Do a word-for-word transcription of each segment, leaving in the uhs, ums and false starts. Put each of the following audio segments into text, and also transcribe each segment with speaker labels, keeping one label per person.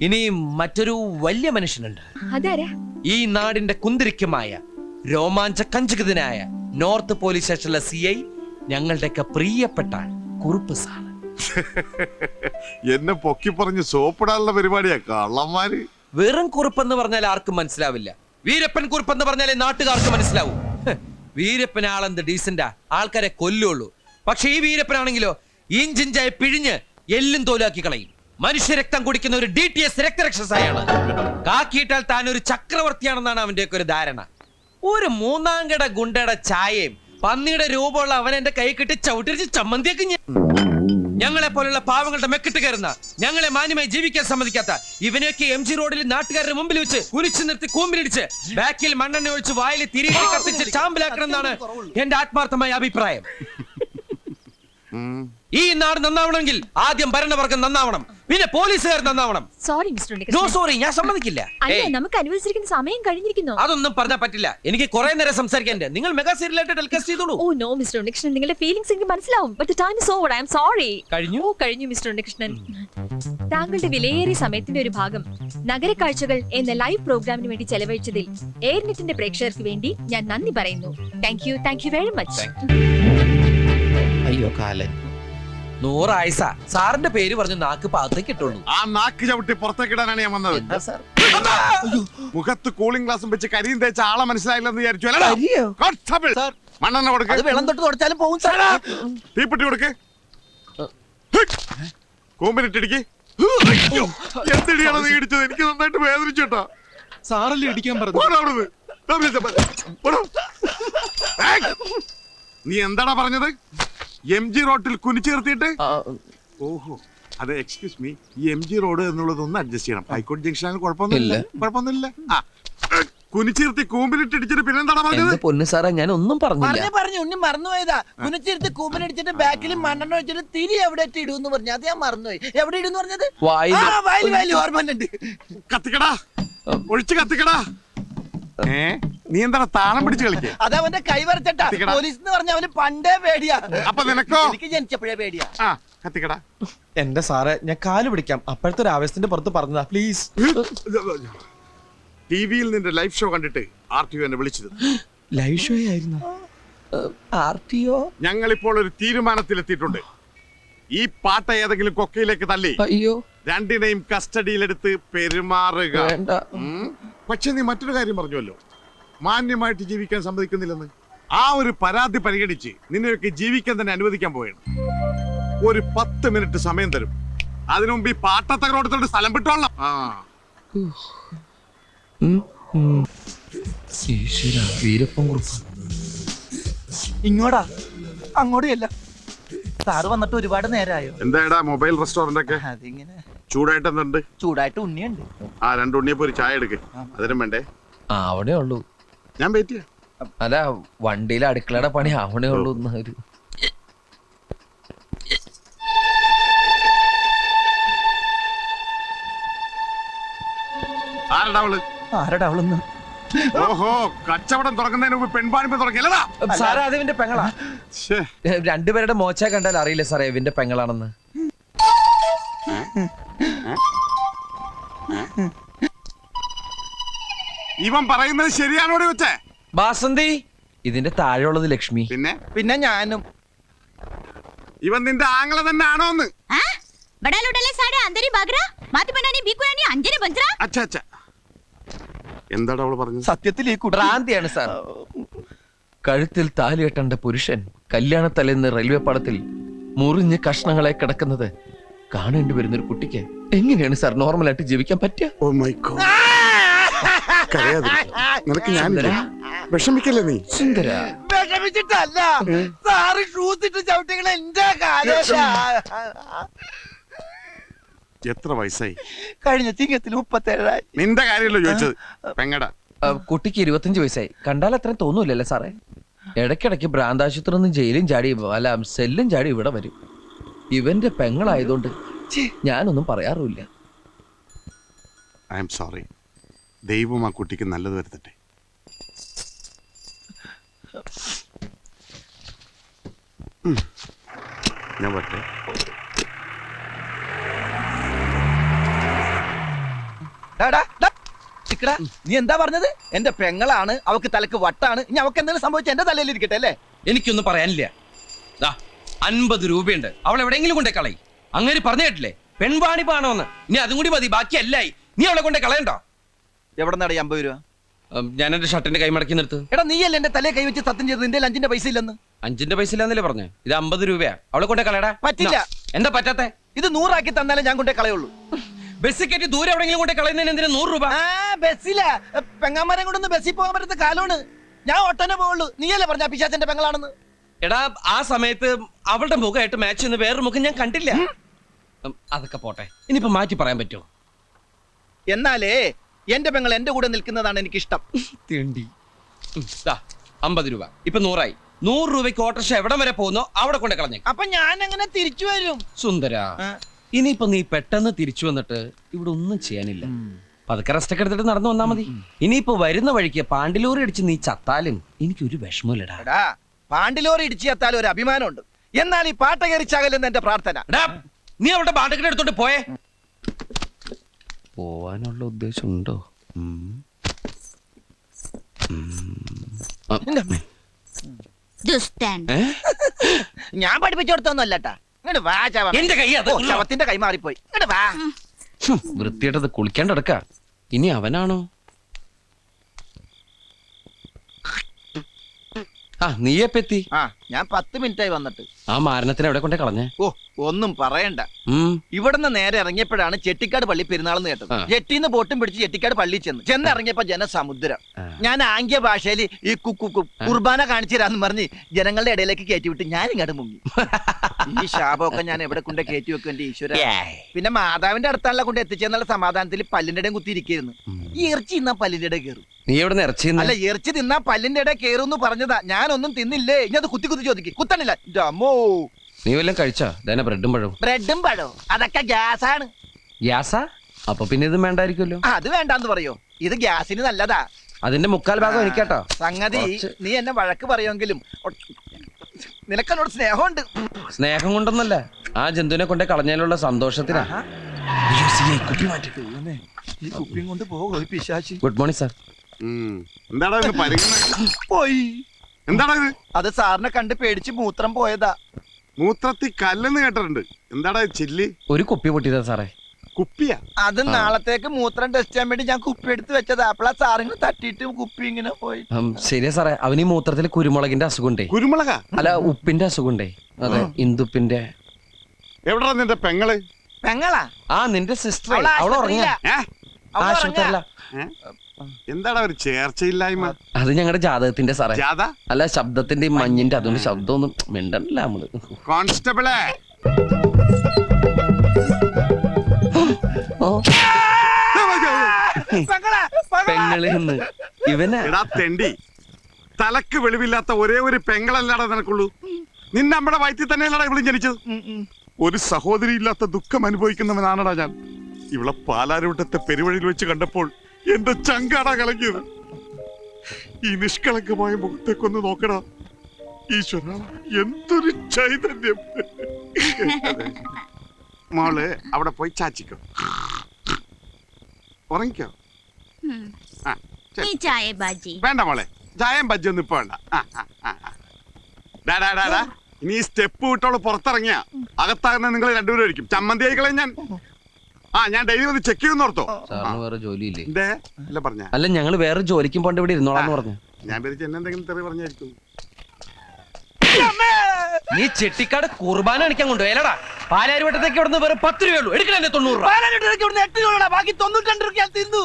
Speaker 1: ഇനി മറ്റൊരു വലിയ മനുഷ്യനുണ്ട്. ഈ നാടിന്റെ കുന്തിരിക്കമായ രോമാഞ്ച കഞ്ചുകിതനായ നോർത്ത് പോലീസ് സ്റ്റേഷനിലെ സി ഐ, ഞങ്ങളുടെയൊക്കെ പ്രിയപ്പെട്ട കുറുപ്പ് സാർ.
Speaker 2: എന്നെ പൊക്കി പറഞ്ഞ് സോപ്പിടാനുള്ള പരിപാടിയാ കള്ളന്മാര്.
Speaker 1: വെറും കുറുപ്പെന്ന് പറഞ്ഞാൽ ആർക്കും മനസ്സിലാവില്ല. വീരപ്പൻ കുറുപ്പെന്ന് പറഞ്ഞാലേ നാട്ടുകാർക്ക് മനസ്സിലാവൂ. വീരപ്പൻ ആളെന്ത് ഡീസന്റാ, ആൾക്കാരെ കൊല്ലുള്ളൂ. പക്ഷെ ഈ വീരപ്പനാണെങ്കിലോ ഇഞ്ചിഞ്ചായി പിഴിഞ്ഞ് എല്ലും തോലാക്കി കളയും. മനുഷ്യരക്തം കുടിക്കുന്ന ഒരു ഡി ടി എസ് രക്തരക്ഷസായാണ്. കാക്കിയിട്ടാൽ താൻ ഒരു ചക്രവർത്തിയാണെന്നാണ് അവന്റെയൊക്കെ ഒരു ധാരണ. ഒരു മൂന്നാംകട ഗുണ്ടയുടെ ചായയും പന്നിയുടെ രൂപമുള്ള അവൻ എന്റെ കൈ കിട്ടി ചവിട്ടിരിച്ച് ചമ്മന്തിയൊക്കെ ഞങ്ങളെ പോലുള്ള പാവങ്ങളുടെ മെക്കിട്ട് കയറുന്ന, ഞങ്ങളെ മാന്യമായി ജീവിക്കാൻ സമ്മതിക്കാത്ത ഇവനെയൊക്കെ എം ജി റോഡിൽ നാട്ടുകാരുടെ മുമ്പിൽ വെച്ച് കുരിച്ചു നിർത്തി കൂമ്പിലിടിച്ച് ബാക്കിൽ മണ്ണെണ്ണ ഒഴിച്ച് വായിൽ തിരികെ കത്തിച്ച് ചാമ്പലാക്കണം എന്നാണ് എന്റെ ആത്മാർത്ഥമായ അഭിപ്രായം. ഈ നാട് നന്നാവണമെങ്കിൽ ആദ്യം ഭരണവർഗം നന്നാവണം, പിന്നെ പോലീസുകാർ നന്നാവണം.
Speaker 3: സോറി മിസ്റ്റർ
Speaker 1: നോ സോറി, ഞാൻ സമ്മതിക്കില്ല.
Speaker 3: നമുക്ക് അനുവദിച്ചിരിക്കുന്ന സമയം കഴിഞ്ഞിരിക്കുന്നു.
Speaker 1: അതൊന്നും പറഞ്ഞാൽ പറ്റില്ല. എനിക്ക് കുറെ നേരം സംസാരിക്കാൻ. നിങ്ങൾ മെഗാ സീരിയലായിട്ട് ടെലികാസ്റ്റ് ചെയ്തോളൂ.
Speaker 3: ഓ നോ മിസ്റ്റർ ഉണ്ണികൃഷ്ണൻ, നിങ്ങളുടെ ഫീലിംഗ്സ് എനിക്ക് മനസ്സിലാവും. But the time is over. I am sorry.
Speaker 1: കഴിഞ്ഞു
Speaker 3: കഴിഞ്ഞു മിസ്റ്റർ ഉണ്ണികൃഷ്ണൻ. താങ്കളുടെ വിലയേറിയ സമയത്തിന്റെ ഒരു ഭാഗം നഗര കാഴ്ചകൾ എന്ന ലൈവ് പ്രോഗ്രാമിന് വേണ്ടി ചെലവഴിച്ചതിൽ എയർനെറ്റിന്റെ പ്രേക്ഷകർക്ക് വേണ്ടി ഞാൻ നന്ദി പറയുന്നു. Thank you thank you very much.
Speaker 1: അയ്യോ കാലൻ, നൂറായിസ സാറിന്റെ പേര് പറഞ്ഞു നാക്ക് പാത്തേക്ക് ഇട്ടുള്ളൂ.
Speaker 2: ആ നാക്ക് ചവിട്ടി പുറത്തേക്ക് ഇടാനാണ് ഞാൻ വന്നത്. മുഖത്ത് കൂളിംഗ് ഗ്ലാസും വെച്ച് കരിയും തേച്ച ആളെ മനസ്സിലായില്ലെന്ന് വിചാരിച്ചു. മണ്ണെണ്ണ കൊടുക്ക്.
Speaker 4: വെള്ളം തൊട്ട് തുടച്ചാലും പോകും.
Speaker 2: തീപ്പെട്ടി കൊടുക്ക്. കൂമ്പിനിട്ടിടിക്ക്. എന്തിടിയാണ് നീ ഇടിച്ചത്? എനിക്ക് നന്നായിട്ട് വേദനിച്ചു കേട്ടോ.
Speaker 5: സാറല്ലേ ഇടിക്കാൻ പറഞ്ഞു.
Speaker 2: നീ എന്താടാ പറഞ്ഞത്? എം ജി റോഡിൽ കുനിച്ചേർത്തിട്ട്? ഓഹോ, അതെ. എക്സ്ക്യൂസ് മീ, ഈ എം ജി റോഡ് എന്നുള്ളത് ഒന്ന് അഡ്ജസ്റ്റ് ചെയ്യണം. ഹൈക്കോടതി ജംഗ്ഷനാണ്. കുഴപ്പമൊന്നുമില്ല കുഴപ്പമൊന്നുമില്ല. കുനിച്ചിരുത്തി കൂമ്പിലിട്ടിടിച്ചിട്ട് പിന്നെന്താടാ പറഞ്ഞത്?
Speaker 1: പൊന്നു സാറേ, ഞാൻ ഒന്നും പറഞ്ഞില്ല.
Speaker 4: പറഞ്ഞു ഉണ്ണി മറന്നുപോയതാ. കുനിച്ചിരുത്തി കൂമ്പിലടിച്ചിട്ട് ബാക്കിൽ മണ്ണെണ്ണ വെച്ചിട്ട് തിരി എവിടെ ഇടൂന്ന് പറഞ്ഞു. അത് ഞാൻ മറന്നുപോയി. എവിടെ ഇടുന്ന് പറഞ്ഞത്? വായിൽ ഓർമ്മണ്ട്.
Speaker 2: കത്തിക്കടാ, ഒഴിച്ച് കത്തിക്കടാ. ഏ നീ എന്താണ് താളം പിടിച്ച് കളിക്കുക?
Speaker 4: അതവന്റെ കൈ വരച്ചട്ടാ. പോലീസ് എന്ന് പറഞ്ഞ അവന് പണ്ടേ പേടിയാ.
Speaker 2: അപ്പൊ നിനക്കോ?
Speaker 4: എനിക്ക് ജനിച്ചപ്പോഴേ പേടിയാ.
Speaker 2: ആ കത്തിക്കടാ.
Speaker 5: എന്റെ സാറേ, ഞാൻ കാല് പിടിക്കാം. അപ്പോഴത്തെ ഒരു ആവേശത്തിന്റെ പുറത്ത് പറഞ്ഞതാ. പ്ലീസ്.
Speaker 2: ടിവിയിൽ നിന്റെ ലൈവ് ഷോ കണ്ടിട്ട് ആർ ടി ഒ എന്നെ വിളിച്ചിരുന്നു.
Speaker 5: ലൈവ് ഷോ ആയിരുന്നു.
Speaker 1: ആർ ടി ഒ
Speaker 2: ഞങ്ങൾ ഇപ്പോൾ ഒരു തീരുമാനത്തിലെത്തിയിട്ടുണ്ട്. ഈ പാട്ട ഏതെങ്കിലും കൊക്കയിലേക്ക് തള്ളി
Speaker 1: അയ്യോ
Speaker 2: രണ്ടിനെയും കസ്റ്റഡിയിലെടുത്ത് പെരുമാറുക. പക്ഷെ നീ മറ്റൊരു കാര്യം പറഞ്ഞുവല്ലോ, മാന്യമായിട്ട് ജീവിക്കാൻ സമ്മതിക്കുന്നില്ലെന്ന്. ആ ഒരു പരാതി പരിഗണിച്ച് നിന്നെയൊക്കെ ജീവിക്കാൻ തന്നെ അനുവദിക്കാൻ പോവുകയാണ്. ഒരു പത്ത് മിനിറ്റ് സമയം തരും. അതിനു മുമ്പ് ഈ പാട്ടത്തകരോടത്തോട് സ്ഥലം വിട്ടോളാം. ആ
Speaker 1: വീരപ്പൻ കുറുപ്പ്
Speaker 4: ഇങ്ങോട്ടാ, അങ്ങോട്ടല്ല. സാറ് വന്നിട്ട് ഒരുപാട് നേരമായോ?
Speaker 2: എന്താടാ മൊബൈൽ റെസ്റ്റോറന്റ് ഒക്കെ
Speaker 4: അതിങ്ങനെ
Speaker 2: ചൂടായിട്ട് എന്തുണ്ട്?
Speaker 4: ചൂടായിട്ട് ഉണ്ണിയുണ്ട്.
Speaker 2: ആ രണ്ട് ഉണ്ണിയപ്പോ ഒരു ചായ എടുക്ക്. അതിനും വേണ്ടേ?
Speaker 1: ആ അവിടെ ഉള്ളൂ.
Speaker 2: ഞാൻ വെയിറ്റ് ചെയ്യാം.
Speaker 1: അല്ല, വണ്ടിയിലെ അടുക്കളയുടെ പണി അവിടെ ഉള്ളൂ. ഒരു
Speaker 2: ആരടാ അവള്?
Speaker 4: ആരടാ അവളെന്ന്?
Speaker 2: ഓഹോ, കച്ചവടം തുടങ്ങുന്നതിന് മുമ്പ് പെൺപാണിപ്പ് തുടങ്ങിയല്ലടാ
Speaker 1: സാറേ. അത് ഇവന്റെ പെങ്ങളാ. രണ്ടുപേരുടെ മോച്ച കണ്ടാൽ അറിയില്ല സാറേ ഇവന്റെ പെങ്ങളാണെന്ന്.
Speaker 2: ഇവൻ പറയുന്നത് ശരിയാണോടെ വെച്ചേ?
Speaker 1: ബാസന്തി, ഇതിന്റെ താഴെയുള്ളത് ലക്ഷ്മി.
Speaker 2: പിന്നെ
Speaker 4: പിന്നെ ഞാനും.
Speaker 2: ഇവൻ നിന്റെ ആങ്ങള തന്നെ ആണോന്ന്? എന്താടാ അവള് പറഞ്ഞത്?
Speaker 4: സത്യത്തിൽ ഈ
Speaker 1: ഭ്രാന്തിയാണ് സാർ. കഴുത്തിൽ താലി കെട്ടേണ്ട പുരുഷൻ കല്യാണത്തലേന്ന് റെയിൽവേ പാളത്തിൽ മുറിഞ്ഞ് കഷ്ണങ്ങളെ കിടക്കുന്നത് കാണേണ്ടി വരുന്ന ഒരു കുട്ടിക്ക് എങ്ങനെയാണ് സാർ നോർമലായിട്ട് ജീവിക്കാൻ പറ്റുക?
Speaker 2: Oh my god. നിനക്ക് ഞാൻ വിഷമിക്കല്ലേ നീ?
Speaker 1: സുന്ദര,
Speaker 4: വിഷമിച്ചിട്ടല്ല സാറ് ഷൂസ് ഇട്ട് ചവിട്ടികൾ എന്റെ
Speaker 2: എത്ര വയസ്സായി?
Speaker 4: കഴിഞ്ഞ ചിങ്ങത്തിൽ മുപ്പത്തേഴായി.
Speaker 2: നിന്റെ കാര്യമല്ലോ ചോദിച്ചത്. പെങ്ങടാ.
Speaker 1: കുട്ടിക്ക് ഇരുപത്തഞ്ച് വയസ്സായി. കണ്ടാൽ അത്രയും തോന്നൂലല്ലേ സാറേ? ഇടയ്ക്കിടയ്ക്ക് ഭ്രാന്താശുപത്രി നിന്ന് ജയിലും ചാടി അല്ല സെല്ലും ചാടി ഇവിടെ വരും. ഇവന്റെ പെങ്ങളായതുകൊണ്ട് ഞാനൊന്നും പറയാറുമില്ല.
Speaker 2: I am sorry. ദൈവം ആ കുട്ടിക്ക് നല്ലത് വരുത്തട്ടെ. ഞാൻ പറ്റേ
Speaker 4: നീ എന്താ പറഞ്ഞത്? എന്റെ പെങ്ങളാണ്, അവക്ക് തലക്ക് വട്ടാണ്, ഇനി അവക്ക് എന്തെങ്കിലും സംഭവിച്ച എന്റെ തലയിൽ ഇരിക്കട്ടെ അല്ലേ?
Speaker 1: എനിക്കൊന്നും പറയാനില്ല. ദാ അൻപത് രൂപയുണ്ട്, അവൾ എവിടെയെങ്കിലും കൊണ്ടേ കളയും. അങ്ങനെ പറഞ്ഞു കേട്ടില്ലേ, പെൺവാണി പാണോന്ന്. ഇനി അതും കൂടി മതി, ബാക്കി അല്ലായി. നീ അവളെ കൊണ്ടേ കളയണ്ടോ?
Speaker 4: എവിടെ നിന്നാണ് അമ്പത് രൂപ?
Speaker 1: ഉം, ഞാൻ എന്റെ ഷർട്ടിന്റെ കൈ മടക്കി നിർത്ത്.
Speaker 4: എടാ നീയല്ലേ എന്റെ തലയെ കൈവച്ച് സത്യം ചെയ്തത് നിന്റെ അഞ്ചിന്റെ പൈസ ഇല്ലെന്ന്?
Speaker 1: അഞ്ചിന്റെ പൈസ ഇല്ലാന്നല്ലേ പറഞ്ഞു? ഇത് അമ്പത് രൂപയാ, അവളെ കൊണ്ടേ കളയടാ.
Speaker 4: പറ്റില്ല.
Speaker 1: എന്താ പറ്റാത്തെ?
Speaker 4: ഇത് നൂറാക്കി തന്നാലേ ഞാൻ കൊണ്ടേ കളയുള്ളൂ.
Speaker 1: ബസ് കയറ്റി ദൂരെ എവിടെയെങ്കിലും കൊണ്ടേ കളയുന്നതിന് എന്തിനാ നൂറ് രൂപ?
Speaker 4: ആ ബസ്സിലാ, പെങ്ങാമാരെ കൊണ്ടൊന്ന് ബസ്സിൽ പോകാൻ പറ്റുന്ന കാലമാണ്. ഞാൻ ഒട്ടനെ പോവുള്ളൂ. നീയല്ലേ പറഞ്ഞ പിശാചന്റെ പെങ്ങളാണെന്ന്?
Speaker 1: എടാ ആ സമയത്ത് അവളുടെ മുഖമായിട്ട് മാച്ച് ചെയ്യുന്ന വേറൊരു മുഖം ഞാൻ കണ്ടില്ല. ഉം, അതൊക്കെ പോട്ടെ, ഇനിയിപ്പോ മാറ്റി പറയാൻ പറ്റുമോ?
Speaker 4: എന്നാലേ എന്റെ പെങ്ങൾ എന്റെ കൂടെ നിൽക്കുന്നതാണ് എനിക്ക് ഇഷ്ടം.
Speaker 1: തേണ്ടി അമ്പത് രൂപ ഇപ്പൊ നൂറായി. നൂറ് രൂപയ്ക്ക് ഓട്ടർഷ എവിടം വരെ പോകുന്നോ അവിടെ കൊണ്ട് കളഞ്ഞേ.
Speaker 4: അപ്പൊ ഞാൻ എങ്ങനെ തിരിച്ചു വരും?
Speaker 1: സുന്ദര, ഇനിയിപ്പോ നീ പെട്ടെന്ന് തിരിച്ചു വന്നിട്ട് ഇവിടെ ഒന്നും ചെയ്യാനില്ല. പതുക്കെ റെസ്റ്റ് ഒക്കെ എടുത്തിട്ട് നടന്നു വന്നാ മതി. ഇനിയിപ്പോ വരുന്ന വഴിക്ക് പാണ്ടിലൂറി അടിച്ച് നീ ചത്താലും എനിക്കൊരു വിഷമമില്ലടാ.
Speaker 4: എടാ പാണ്ടിലോറി ഇടിച്ചു എത്താലും ഒരു അഭിമാനമുണ്ട്. എന്നാൽ ഈ പാട്ട കയറിച്ചാകലെന്ന് എന്റെ പ്രാർത്ഥന.
Speaker 1: എടാ, നീ അവളുടെ പാട്ടൊക്കെ എടുത്തോണ്ട് പോയേ. പോവാനുള്ള ഉദ്ദേശം ഉണ്ടോ?
Speaker 6: ദുഷ്ടൻ.
Speaker 4: ഞാൻ പഠിപ്പിച്ചു കൊടുത്തൊന്നും അല്ലട്ടാ. ഇങ്ങോട്ട് വാ ചവ.
Speaker 1: എന്റെ കൈ അത്
Speaker 4: ഓ, ശവത്തിന്റെ കൈ മാറിപ്പോയി. ഇങ്ങോട്ട് വാ.
Speaker 1: വൃത്തിയായിട്ടത് കുളിക്കാണ്ട് എടുക്ക. ഇനി അവനാണോ? ആ നീയെപ്പെത്തി?
Speaker 4: ആ ഞാൻ പത്ത് മിനിറ്റ് ആയി വന്നിട്ട്.
Speaker 1: ആ മാരണത്തിന് എവിടെ കൊണ്ടേ കളഞ്ഞേ?
Speaker 4: ഓ ഒന്നും പറയണ്ട.
Speaker 1: ഉം
Speaker 4: ഇവിടുന്ന് നേരെ ഇറങ്ങിയപ്പോഴാണ് ചെട്ടിക്കാട് പള്ളി പെരുന്നാളെന്ന് കേട്ടത്.
Speaker 1: ആ.
Speaker 4: ജെട്ടിന്ന് ബോട്ടും പിടിച്ച് ചെട്ടിക്കാട് പള്ളി ചെന്ന് ചെന്ന് ഇറങ്ങിയപ്പോ ജനസമുദ്രം.
Speaker 1: ആ.
Speaker 4: ഞാൻ ആംഗ്യ ഭാഷയിൽ ഈ കുക്കു കു- കുർബാന കാണിച്ചു തരാന്ന് പറഞ്ഞ് ജനങ്ങളുടെ ഇടയിലേക്ക് കയറ്റി വിട്ട് ഞാൻ ഇങ്ങോട്ട് മുങ്ങി. ഈ ശാപമൊക്കെ ഞാൻ എവിടെ കൊണ്ട് കയറ്റി വെക്കും എന്റെ ഈശ്വര. പിന്നെ മാതാവിന്റെ അടുത്താണല്ലോ കൊണ്ട് എത്തിച്ചെന്നുള്ള സമാധാനത്തിൽ പല്ലിന്റെ ഇടയും കുത്തിയിരിക്കുന്നു. ഈ ഇറച്ചി തിന്നാ പല്ലിന്റെ ഇടയിൽ കയറും.
Speaker 1: നീ എവിടെ ഇറച്ചി
Speaker 4: അല്ല ഇറച്ചി തിന്നാ പല്ലിന്റെ ഇടയിൽ കയറും പറഞ്ഞതാ. ഞാനൊന്നും തിന്നില്ലേ. ഇനി അത് കുത്തി കുത്തി ചോദിക്കും. കുത്തണില്ല. അമ്മോ
Speaker 1: നീ വല്ലതും കഴിച്ചാ? ഇതന്നെ ബ്രെഡും പഴവും.
Speaker 4: ബ്രെഡും പഴവും അതൊക്കെ ഗ്യാസാണ്.
Speaker 1: ഗ്യാസാ? അപ്പൊ പിന്നെ ഇത് വേണ്ടായിരിക്കുമല്ലോ.
Speaker 4: അത് വേണ്ടാന്ന് പറയോ? ഇത് ഗ്യാസിന് നല്ലതാ.
Speaker 1: അതിന്റെ മുക്കാൽ ഭാഗം എനിക്കാട്ടോ.
Speaker 4: സംഗതി
Speaker 1: കുറച്ച്.
Speaker 4: നീ എന്നെ വഴക്ക് പറയുമെങ്കിലും ഒ- നിനക്കെന്നോട് സ്നേഹമുണ്ട്.
Speaker 1: സ്നേഹം കൊണ്ടൊന്നല്ല, ആ ജന്തുവിനെ കൊണ്ടേ കളഞ്ഞാലുള്ള സന്തോഷത്തിനാ.
Speaker 4: ഈ കുപ്പിയും കൊണ്ട് പോകോ പിശാചി.
Speaker 1: Good morning sir.
Speaker 2: ഉം. എന്താടാ ഇത് പരിഗണന?
Speaker 4: പോയി.
Speaker 2: എന്താടാ ഇത്?
Speaker 4: അത് സാറിനെ കണ്ട് പേടിച്ച് മൂത്രം പോയതാ.
Speaker 2: മൂത്രത്തി കല്ലെന്ന് കേട്ടിട്ടുണ്ട്. എന്താടാ ഇത് ചില്ലി?
Speaker 1: ഒരു കുപ്പി പൊട്ടിയതാ സാറേ.
Speaker 2: കുപ്പിയാ?
Speaker 4: അത് നാളത്തേക്ക് മൂത്രം ടെസ്റ്റ് ചെയ്യാൻ വേണ്ടി ഞാൻ കുപ്പി എടുത്ത് വെച്ചതാ. അപ്പളാ സാറിന് തട്ടിയിട്ട് കുപ്പി ഇങ്ങനെ പോയി.
Speaker 1: ഉം, ശരിയാ സാറേ, അവന് ഈ മൂത്രത്തിൽ കുരുമുളകിന്റെ അസുഖമുണ്ടേ.
Speaker 2: കുരുമുളകാ?
Speaker 1: അല്ല ഉപ്പിന്റെ അസുഖമുണ്ടേ. അതെ, ഇന്ദുപ്പിന്റെ.
Speaker 2: എവിടാ നിന്റെ പെങ്ങള്?
Speaker 4: പെങ്ങളാ?
Speaker 1: ആ നിന്റെ സിസ്റ്റർ
Speaker 4: അവള്
Speaker 1: അവൾ ഉറങ്ങിയ
Speaker 4: ആശുപത്രിയിലാ.
Speaker 2: ഏ?
Speaker 4: അവള്
Speaker 1: ആശുപത്രിയല്ല.
Speaker 2: ഏ? എന്താടാ ഒരു ചേർച്ചയില്ലായ്മ?
Speaker 1: അത് ഞങ്ങളുടെ ജാതകത്തിന്റെ സാറേ.
Speaker 2: ജാഥ?
Speaker 1: അല്ല ശബ്ദത്തിന്റെ ഈ മഞ്ഞിന്റെ അതുകൊണ്ട് ശബ്ദമൊന്നും മിണ്ടല്ല നമ്മള്.
Speaker 2: കോൺസ്റ്റബിളെ
Speaker 1: ഓ,
Speaker 4: പെങ്ങളാ, പെങ്ങളാ.
Speaker 1: പെങ്ങള് എന്ന് ഇവനാ.
Speaker 2: എടാ തെണ്ടി, തലക്ക് വെളിവില്ലാത്ത ഒരേ ഒരു പെങ്ങളല്ലാടാ നിനക്കുള്ളൂ. നിന്നെ നമ്മുടെ വയറ്റിൽ തന്നെയല്ലടാ ഇവളും ജനിച്ചത്. ഒരു സഹോദരി ഇല്ലാത്ത ദുഃഖം അനുഭവിക്കുന്നവനാണടാ ഞാൻ. ഇവളെ പാലാരൂട്ടത്തെ പെരുവഴിയിൽ വെച്ച് കണ്ടപ്പോൾ എന്റെ ചങ്കാടാ കലങ്ങിയത്. ഈ നിഷ്കളങ്കമായ മുഖത്തേക്കൊന്ന് നോക്കടാ ഈശ്വര, എന്തൊരു ചൈതന്യം. മോള് അവിടെ പോയി ചാച്ചിക്കോ, ഉറങ്ങിക്കോ.
Speaker 6: ഉം.
Speaker 2: ആ, ശരി.
Speaker 6: ഈ ചായ ബാജി.
Speaker 2: വേണ്ട മോളെ, ചായം ബജ്ജൊന്നും ഇപ്പൊ വേണ്ട. ആ, ആ, ആ, ആ. ഡാ, ഡാ, ഡാ, ഡാ. ഇനി ഈ സ്റ്റെപ്പ് വിട്ടോളൂ പുറത്തിറങ്ങിയ അകത്താകുന്ന നിങ്ങൾ രണ്ടുപേരും ആയിരിക്കും. ചമ്മന്തി ആയിക്കളെ ഞാൻ. ആ ഞാൻ ഡെയിലി വന്ന് ചെക്ക് ചെയ്യുന്ന ഓർത്തോ.
Speaker 1: സാറിന് വേറെ ജോലിയില്ലേ?
Speaker 2: എന്തേ അല്ല പറഞ്ഞ?
Speaker 1: അല്ല ഞങ്ങള് വേറെ ജോലിക്കും പോണ്ട് ഇവിടെ ഇരുന്നോളാന്ന് പറഞ്ഞു.
Speaker 2: ഞാൻ പേരിച്ച് എന്നെ എന്തെങ്കിലും തെറി പറഞ്ഞായിരിക്കും.
Speaker 1: നീ ചെട്ടിക്കാട് കുർബാന കാണിക്കാൻ കൊണ്ടുപോയല്ലടാ. പാലാരിവട്ടത്തേക്ക് ഇവിടുന്ന് വേറെ പത്ത് രൂപയുള്ളൂ. എടുക്കണേ തൊണ്ണൂറ് രൂപ.
Speaker 4: പാലാരിവട്ടത്തേക്ക് ഇവിടുന്ന് എട്ട് രൂപ, ബാക്കി തൊണ്ണൂറ്റി രൂപ തിന്നു.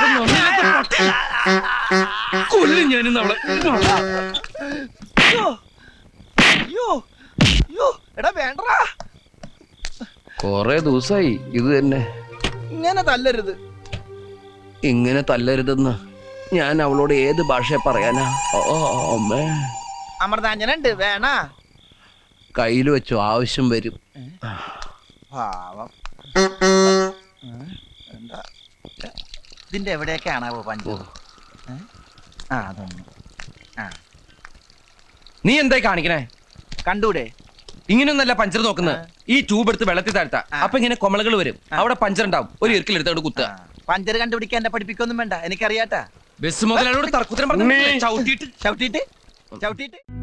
Speaker 1: കൊല്ലും ഞാനിന്ന് അവളെ.
Speaker 4: അയ്യോ, അയ്യോ, അയ്യോ, എടാ വേണ്ടടാ.
Speaker 1: കൊറേ ദിവസമായി ഇത് തന്നെ.
Speaker 4: ഇങ്ങനെ തല്ലരുത്.
Speaker 1: ഇങ്ങനെ തല്ലരുതെന്ന് ഞാൻ അവളോട് ഏത് ഭാഷ പറയാനാ? ഓ അമ്മേ,
Speaker 4: അമൃതാഞ്ജനുണ്ട് വേണ.
Speaker 1: കയ്യിൽ വെച്ചു, ആവശ്യം വരും.
Speaker 4: പാവം. എന്താ ഇതിന്റെ എവിടെയൊക്കെയാണാവോ പഞ്ചു? ആ അതൊന്നും
Speaker 1: നീ എന്തായി കാണിക്കണേ?
Speaker 4: കണ്ടൂടെ?
Speaker 1: ഇങ്ങനെയൊന്നല്ല പഞ്ചർ നോക്കുന്നത്. ഈ ട്യൂബ് എടുത്ത് വെള്ളത്തിൽ താഴ്ത്താ.
Speaker 4: ആ.
Speaker 1: അപ്പൊ ഇങ്ങനെ കൊമളകൾ വരും. അവിടെ പഞ്ചർ ഉണ്ടാവും. ഒരു ഇരിക്കലെടുത്ത് അവിടെ കുത്തുക.
Speaker 4: ആ. പഞ്ചർ കണ്ടുപിടിക്കാൻ എന്നെ പഠിപ്പിക്കൊന്നും വേണ്ട, എനിക്കറിയാട്ടാ.
Speaker 1: ബസ് മുതലോട് തർക്കുത്തരം പറഞ്ഞു ചവിട്ടിയിട്ട്
Speaker 4: ചവിട്ടിട്ട് ചവിട്ടിട്ട്